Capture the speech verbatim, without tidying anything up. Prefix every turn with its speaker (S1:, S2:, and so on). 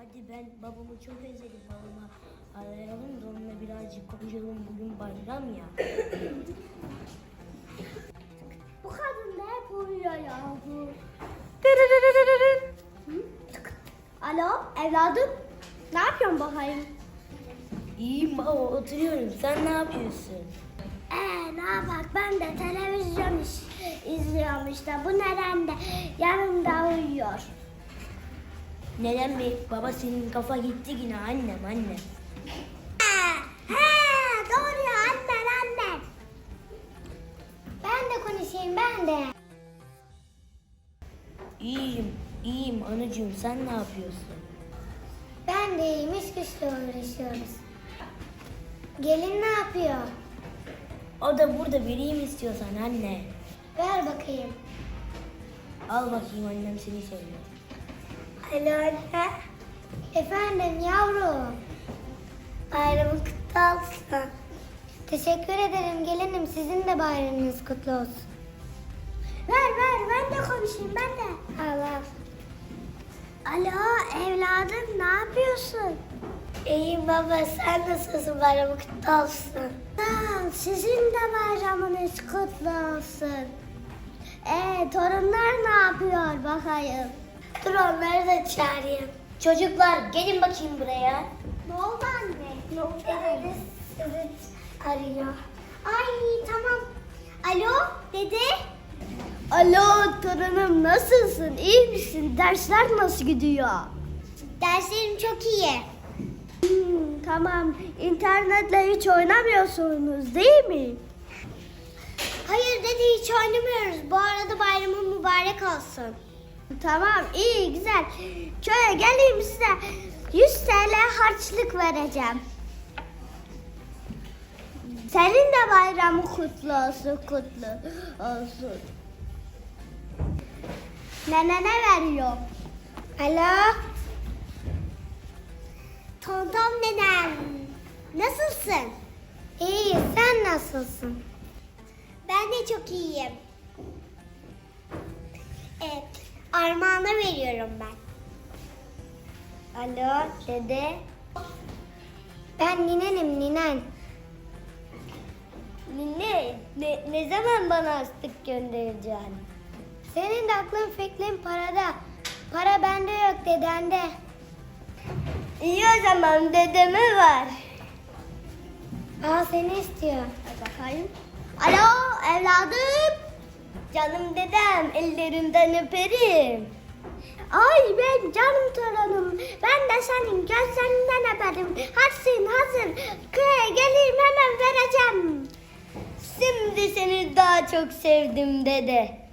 S1: Hadi ben babamı çok özledim. Babama arayalım da onunla birazcık konuşalım. Bugün bayram ya.
S2: Bu kadın da hep uyuyor yahu. Alo evladım. Ne yapıyorsun bakayım?
S1: İyiyim baba, oturuyorum. Sen ne yapıyorsun?
S2: Ee ne yapak, ben de televizyon iş, izliyorum işte. Bu neden de yanımda uyuyor.
S1: Neden mi? Baba senin kafa gitti yine annem annem.
S2: He, he doğru ya, annen annen. Ben de konuşayım ben de.
S1: İyiyim, iyiyim anacığım. Sen ne yapıyorsun?
S2: Ben de iyiyim, iş güçle uğraşıyoruz. Gelin ne yapıyor?
S1: O da burada, vereyim istiyorsan anne.
S2: Ver bakayım.
S1: Al bakayım, annem seni soruyor.
S2: Alo anne. Efendim yavrum. Bayramın kutlu olsun. Teşekkür ederim gelinim. Sizin de bayramınız kutlu olsun. Ver ver, ben de konuşayım ben de. Allah. Alo evladım, ne yapıyorsun? İyiyim baba, sen nasılsın? Bayramın kutlu olsun. Sağ ol, sizin de bayramınız kutlu olsun. Ee, torunlar ne yapıyor bakayım? Dur onları da çağırayım.
S1: Çocuklar gelin bakayım buraya.
S2: Ne oldu anne? Ne oldu? Evet, evet arıyor. Ay tamam. Alo dede. Alo torunum, nasılsın? İyi misin? Dersler nasıl gidiyor? Derslerim çok iyi. Hmm, tamam. İnternetle hiç oynamıyorsunuz değil mi? Hayır dede, hiç oynamıyoruz. Bu arada bayramın mübarek olsun. Tamam, iyi, güzel. Köye geleyim size yüz T L harçlık vereceğim. Senin de bayramın kutlu olsun, kutlu olsun. Nene ne veriyor? Alo? Tonton nenem. Nasılsın? İyi, sen nasılsın? Ben de çok iyiyim. Evet, armağanı veriyorum ben. Alo, dede. Ben ninenim, ninen. Nine, ne, ne zaman bana harçlık göndereceksin? Senin de aklın fikrin parada. Para bende yok, dedende. İyi o zaman, dedeme var. Aa, seni istiyor. Hadi bakayım. Alo, evladım. Canım dedem, ellerinden öperim. Ay ben canım torunum. Ben de senin gözlerinden öperim. Hazır hazır. Köye geleyim, hemen vereceğim. Şimdi seni daha çok sevdim dede.